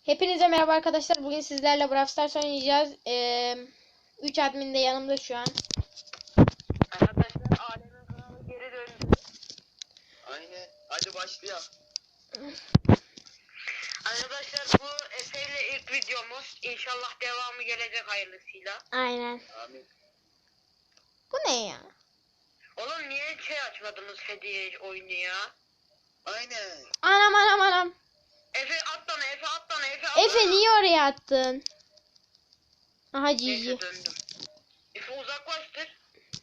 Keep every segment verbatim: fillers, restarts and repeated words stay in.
Hepinize merhaba arkadaşlar. Bugün sizlerle Brawl Stars oynayacağız. üç admin de yanımda şu an. Arkadaşlar Alem'in kanalı geri döndü. Aynen. Hadi başlayalım. Arkadaşlar bu Efe ile ilk videomuz. İnşallah devamı gelecek hayırlısıyla. Aynen. Amin. Bu ne ya? Oğlum niye şey açmadınız hediye oyunu ya? Aynen. Anam anam anam. Efe atlana Efe atlana Efe atlana. Efe niye oraya attın? Aha Cici. Neyse döndüm. Efe uzaklaştır.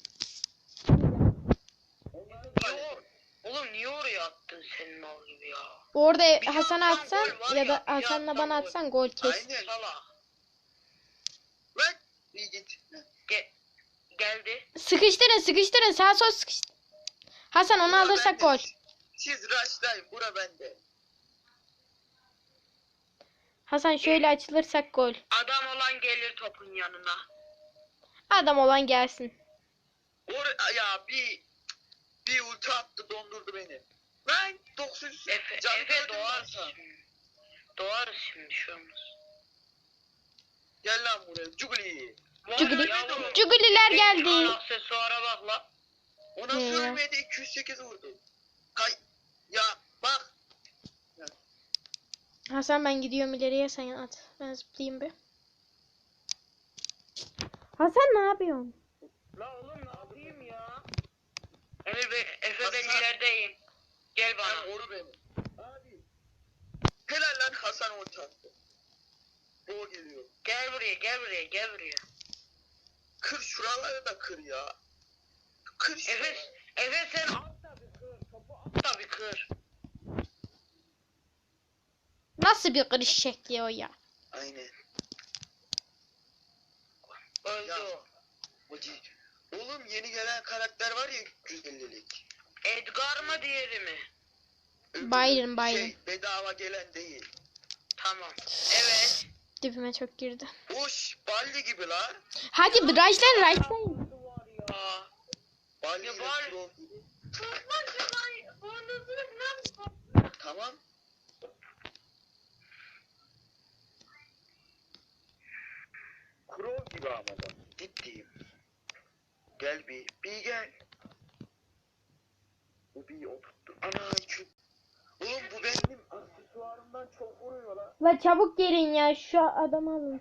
Niye or- Oğlum niye oraya attın sen mal gibi ya? Orada Bir Hasan'a atsan atsan gol var ya da ya, bir Hasan'la atsan bana gol. atsan gol kes. Aynen. Salak. Lan. İyi git. Ge geldi. Sıkıştırın sıkıştırın sağ sol sıkıştırın. Hasan onu Bura alırsak bende. gol. Siz rushlayın. Bura bende. Hasan şöyle açılırsak gol. Adam olan gelir topun yanına. Adam olan gelsin. Or ya bir bir ulti attı dondurdu beni. Lan doksan yüz. Efe, Canı Efe gördün mü doğarız Hasan? şimdi. Doğarız şimdi şu olmaz. Gel lan buraya. Cuguli. Cuguli. Yavrum, Cuguliler bir geldi. an aksesuara bak la. O nasıl Ne ya? ölmedi? iki yüz sekiz vurdu. Hay. Ya bak. Hasan ben gidiyorum ileriye sen at. Ben zıplayayım bir. Hasan ne yapıyorsun? La oğlum ne yapayım ya? Emir Bey, Efe ben Hasan. ilerideyim. Gel Lan bana. oru benim. Abi. Helal lan Hasan ulti attı. O geliyor. Gel buraya, gel buraya, gel buraya. Kır şuraları da kır ya. Kır Efe, şuraları. Efe sen at da bir kır. Topu at da bir kır. Nasıl bir kırış şekli o ya? Aynen. Öldü Ya. o. O değil. Oğlum yeni gelen karakter var ya yüz ellilik. Edgar mı diğeri mi? Öbürü Byron, Byron. Şey bedava gelen değil. Tamam. Evet. Dibime çok girdi. Boş balli gibi la. Hadi Raşlan Raşlan. Var ya. Balli Ya ile bari- pro gibi. Tutmaz ya lan. Boynuzunu lan. Tamam. Kuro gibi ama da. Ciddiyim. Gel bir. Bir gel. Bu bir oturttu. Ana iki. Oğlum bu benim aksesuarımdan çok vuruyor la. La çabuk gelin ya şu adamı alın.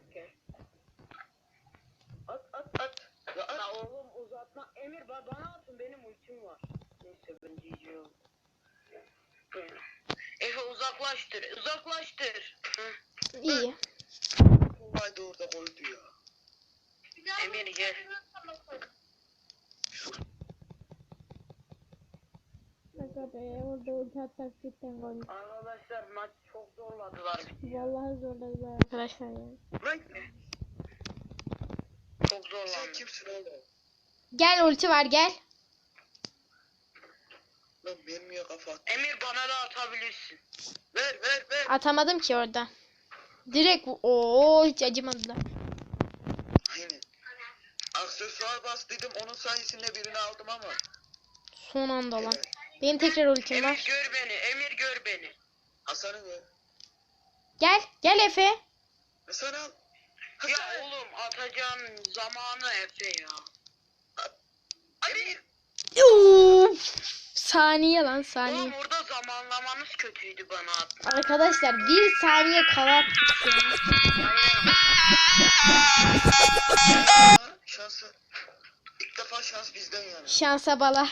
At at at. Ya at. La oğlum uzatma. Emir ba- bana atın benim ultim var. Neyse ben diyeceğim. Efe uzaklaştır. Uzaklaştır. Hı. İyi. Kolay da orada koydu ya. Emir gel. Aga be orada ulti atsak cidden gol. Arkadaşlar maç çok zorladılar bizi. Vallahi zorladılar arkadaşlar ya. Lan Çok sen zorlandı. kimsin oğlum? Gel ulti var gel. Lan mermiye kafa at. Emir bana da atabilirsin. Ver ver ver. Atamadım ki orada. Direkt ooo hiç acımadılar. Aynen. Aksesuar bastıydım onun sayesinde birini aldım ama. Son anda lan. Evet. Benim tekrar ultim Emir var. gör beni. Emir gör beni. Hasan'ı gör. Gel gel Efe. Hasan al. Ya Hasan. oğlum atacağım zamanı Efe ya. Hadi. Uf, saniye lan saniye. Oğlum orada zamanlamanız kötüydü bana at. Arkadaşlar bir saniye kala attık ya. Aa, şansı. İlk defa şans bizden yani. Şansa bala.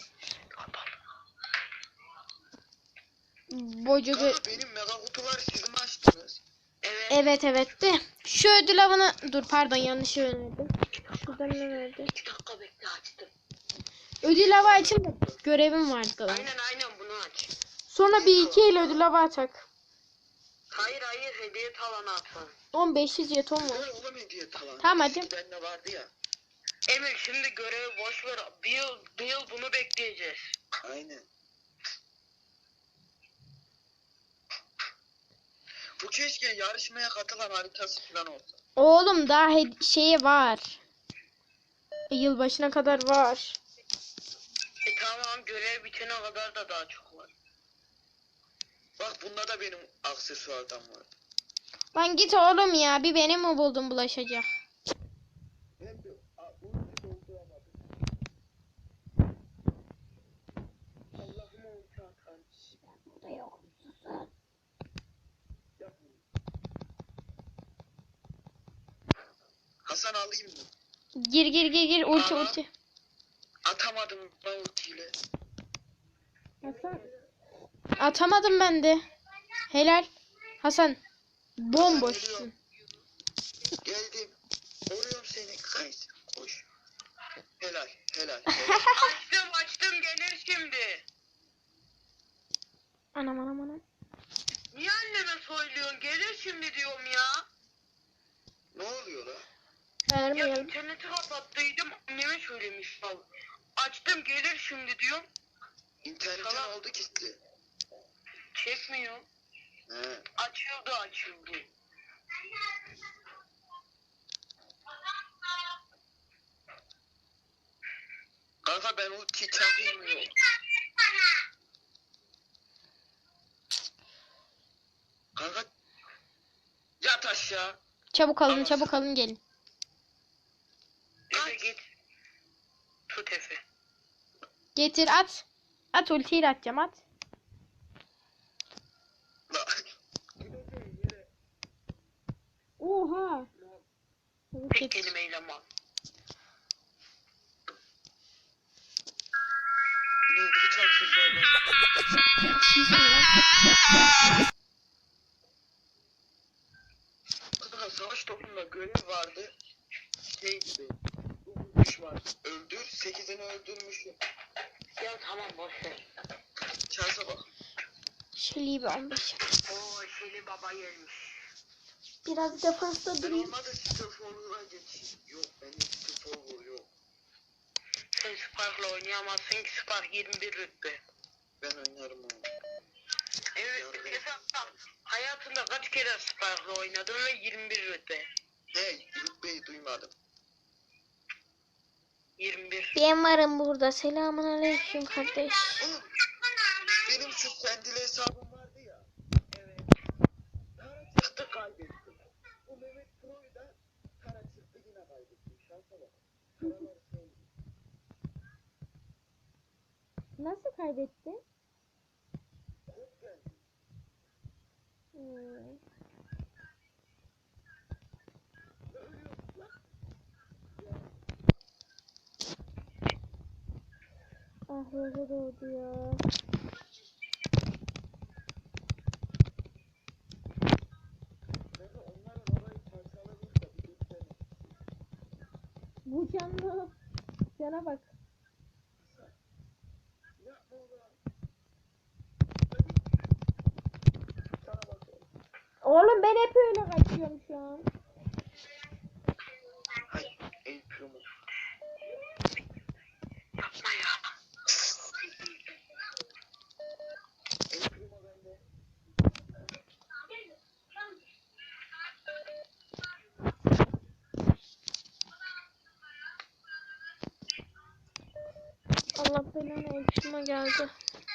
Bococu. Kanka benim mega kutular siz mi açtınız? Evet. Evet evet de. Şu ödül avını. Dur pardon yanlış önerdim. Şuradan ne verdi? İki dakika bekle açtım. Ödül avı açın da görevim vardı. Lan. Aynen aynen bunu aç. Sonra bir iki ile ödül avı açak. Hayır hayır hediye talanı atalım. on beş yüz jeton var. Ver oğlum hediye talan. Tamam, hadi. Eskiden de vardı ya. Emir şimdi görevi boş ver. Bir yıl, bir yıl bunu bekleyeceğiz. Aynen. Bu keşke yarışmaya katılan haritası falan olsa. Oğlum daha he- şeyi var. Yılbaşına kadar var. E tamam görev bitene kadar da daha çok var. Bak bunda da benim aksesuardan var. Lan git oğlum ya. Bir beni mi buldun bulaşacak? Ben de a, ulti dolduramadım. Allah'ım ulti atan. Burada yok. Susun. Yapma. Hasan alayım mı? Gir gir gir gir. Ulti Aha. ulti. Atamadım ben ultiyle. Hasan. Atamadım ben de. Helal. Hasan. Bomboşsun. Geldim. Vuruyorum seni. Kays. Koş. Helal. Helal. helal. Açtım açtım gelir şimdi. Anam anam anam. Niye anneme söylüyorsun? Gelir şimdi diyorum ya. Ne oluyor la? Ya Vermeyelim. interneti kapattıydım anneme söylemiş al. Açtım gelir şimdi diyorum. İnternetten Tamam. aldık işte. Çekmiyor. He. Açıldı açıldı. Kanka ben ulti çakayım mı? Kanka yat aşağı. Çabuk alın Ama- çabuk alın gelin. Efe git. Tut Efe. Getir at. At ultiyi atacağım at. La. Oha. Çabuk Tek getir. kelimeyle mal. Ne hiç aksesuar Kanka savaş topunda görev vardı. Şey gibi. dokuz düşman öldür. sekizini öldürmüşüm. Ya tamam boş ver. Şansa bak. Şöyle bir on beş. Oo Şeli baba gelmiş. Biraz defansta Ben durayım. olmadı sıfır forward'a geçeyim. Yok benim sıfır forward yok. Sen Spark'la oynayamazsın ki Spark yirmi bir rütbe. Ben oynarım onu. Evet mesela hayatında kaç kere Spark'la oynadın ve yirmi bir rütbe. Hey rütbeyi duymadım. yirmi bir. Ben varım burada. Selamun aleyküm kardeş. Oğlum, benim şu sendile hesabım vardı ya. Evet. Kara çıktı kaybettim. Bu Mehmet Pro'yu da kara çıktı yine kaybettim. Şansa bak. Karaları sevdim. Nasıl kaybetti? Kurt geldi. Hmm. Ne ölüyorsun lan? Ah roza doğdu ya. Kanka onların orayı parçaladık da bir göstermek. Bu canlı. Cana bak. Yapma ulan. Sana bak oğlum. Oğlum ben hep öyle kaçıyorum şu an. Hay el pürümü. Yapma ya. El pürümü bende. Allah belanı elçime geldi.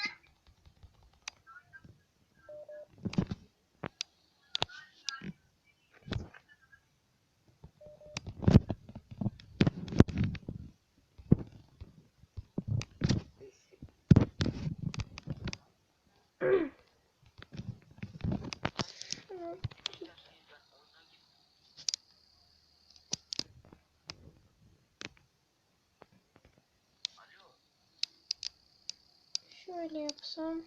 Şöyle yapsam.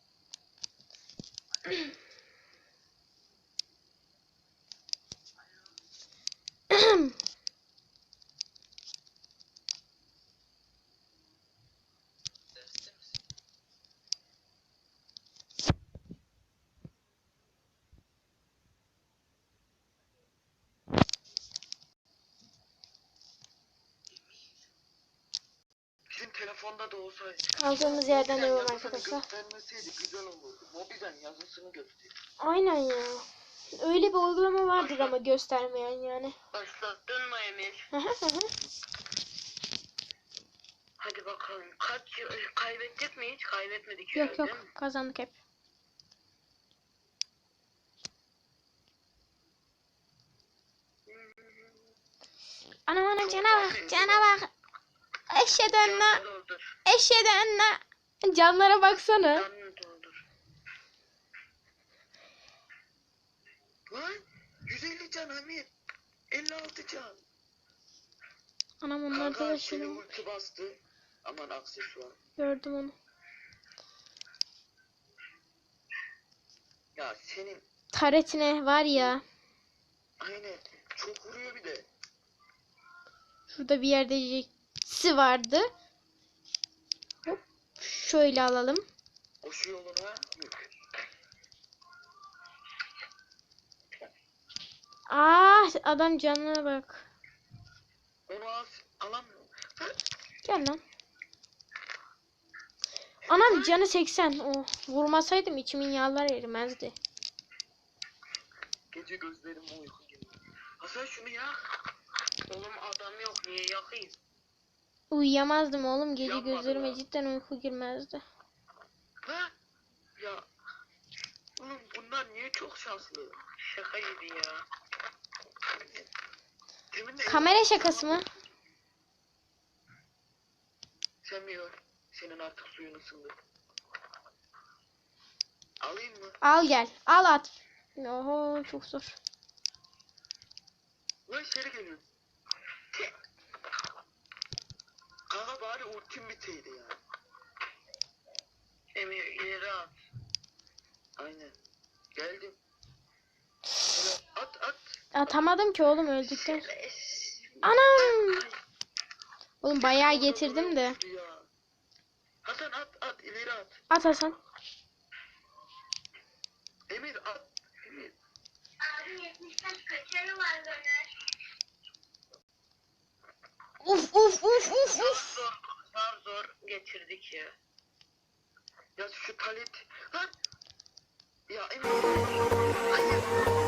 Bizim telefonda da olsaydı. Kaldığımız yerden Mobilen devam yazısını arkadaşlar. göstermeseydi güzel olurdu. Mobilen yazısını göster. Aynen ya. Öyle bir uygulama vardır ama göstermeyen yani. Başlattın mı Emir? Hadi bakalım. Kaç kaybettik mi hiç? Kaybetmedik Yok herhalde, yok değil mi? kazandık hep. Anam anam Çok cana bak fazla cana insan. bak. Eşhedü enne. Canını doldur. Eşhedü enne. Canlara baksana. Canını doldur. Lan yüz elli can Hamit. elli altı can. Anam onlar da Kanka da seni şunu. ulti bastı. Aman aksesuar. Gördüm onu. Ya senin Taretine var ya. aynen çok vuruyor bir de. Şurada bir yerde Jax'i vardı. Hop. Şöyle alalım. Koşu yoluna yük. Aa adam canına bak. Onu az alamıyor. Gel lan. Anam canı seksen. Oh, vurmasaydım içimin yağlar erimezdi. Gece gözlerim uyku gibi. Hasan şunu yak. Oğlum adam yok, niye yakayım? Uyuyamazdım oğlum. Gece Yapmadı gözlerime ya. cidden uyku girmezdi. Ha? Ya. Oğlum bunlar niye çok şanslı? Şaka gibi ya. Demin de Kamera şakası mı? Sen mi gör? Senin artık suyun ısındı. Alayım mı? Al gel. Al at. Oho çok zor. Lan içeri geliyorum. Kanka bari ultim biteydi ya. Emir ileri at. Aynen. Geldim. Şöyle at at. Atamadım ki oğlum öldükten. Şöyle- Anam. Oğlum bayağı Orada getirdim de. duruyormuştu ya. Hasan at at ileri at. At Hasan. Emir at. Emir. Abi yetmiş beş kaçarı var Döner. Uf uf uf uf Zor uf. zor, zor zor geçirdik ya. Ya şu talet. Lan. Ya Emir. Hayır.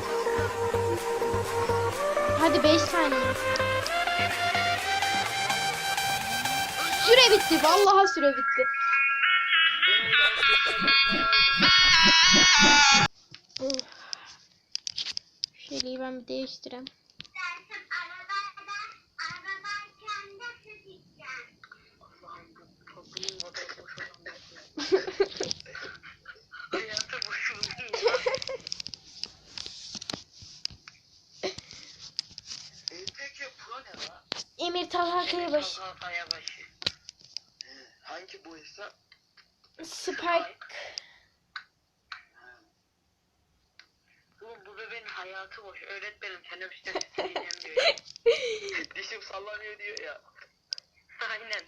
Hadi beş saniye. Süre bitti. Vallahi süre bitti. Uf. Şöyle ben bir değiştireyim. Allah'ım bu topluluğun kadar boş olan bir- Hayatı boşuna. E, peki pro ne la? Emir Talha Kayabaş. Kayabaşı. He, hangi bu hesap? Spike. Oğlum bu bebeğin hayatı boş. Öğretmenim teneffüste dinlemiyor. Dişim sallanıyor diyor ya. Aynen.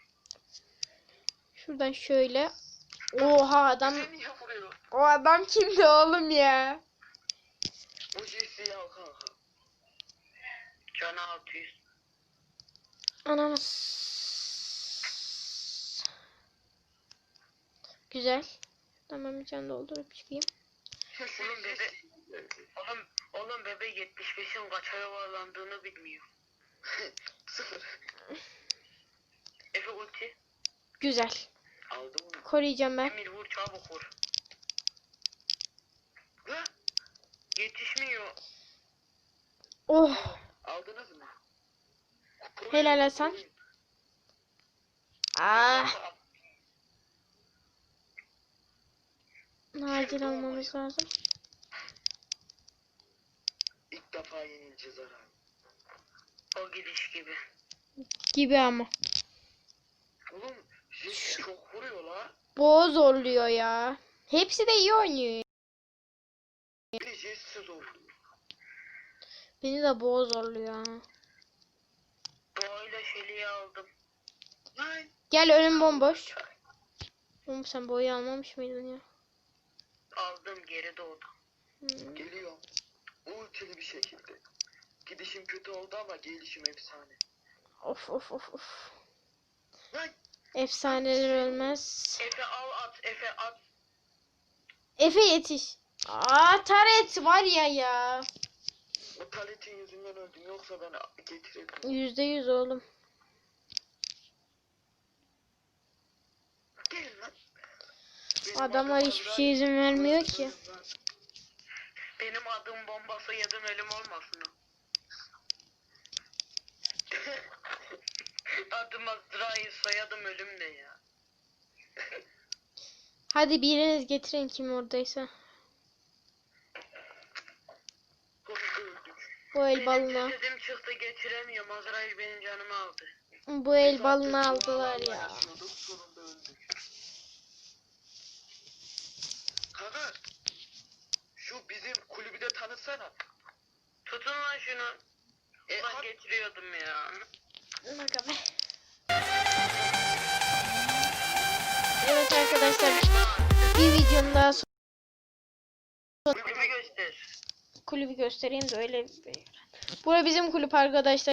Şuradan şöyle. Oha adam. Bize niye vuruyor? O adam kimdi oğlum ya? Bu Jesse'yi al kanka. Canı altı yüz. Ananas. Güzel. Tamam bir can doldurup çıkayım. Oğlum bebe, oğlum, oğlum bebe yetmiş beşin kaça yuvarlandığını bilmiyor. Sıfır. Efe ulti. Güzel. Aldım onu. Koruyacağım ben. Emir vur, çabuk vur. Lan Yetişmiyor. Oh. aldınız mı? Helal Hasan. Ah. Acil almamız lazım. İlk defa yenileceğiz herhalde. O gidiş gibi. Gibi ama. Oğlum Jesse çok vuruyor la. Boğaz zorluyor ya. Hepsi de iyi oynuyor. Bir de Jesse zor. Beni de boğaz zorluyor ha. Doğayla Şeli'yi aldım. Lan. Gel önüm bomboş. Oğlum sen boyu almamış mıydın ya? Aldım, geri doğdu. Hmm. Geliyorum. Ultili bir şekilde. Gidişim kötü oldu ama gelişim efsane. Of of of of. Lan. Efsaneler ölmez. Efe al at, Efe at. Efe yetiş. Aa taret var ya ya. O taletin yüzünden öldüm yoksa ben getirirdim. Yüzde yüz oğlum. Gelin lan. Benim Adamlar adım hiçbir Azrail. şey izin vermiyor ki. Benim adım bombası yedim ölüm olmasın o. Adım Azrail, soyadım ölüm ne ya? Hadi biriniz getirin kim oradaysa. Sonunda öldük. Bu el Benim balına. cesedim çıktı, getiremiyorum. Azrail benim canımı aldı. Bu el Biz balını artık aldılar dualarla ya. yaşıyorduk, sonunda öldük. Kanka şu bizim kulübü de tanıtsana. Tutun lan şunu. E, Ulan ha- getiriyordum ya. Bak be. Evet arkadaşlar, bir videonun daha son Kulübü göster. kulübü göstereyim de öyle. Bura bizim kulüp arkadaşlar.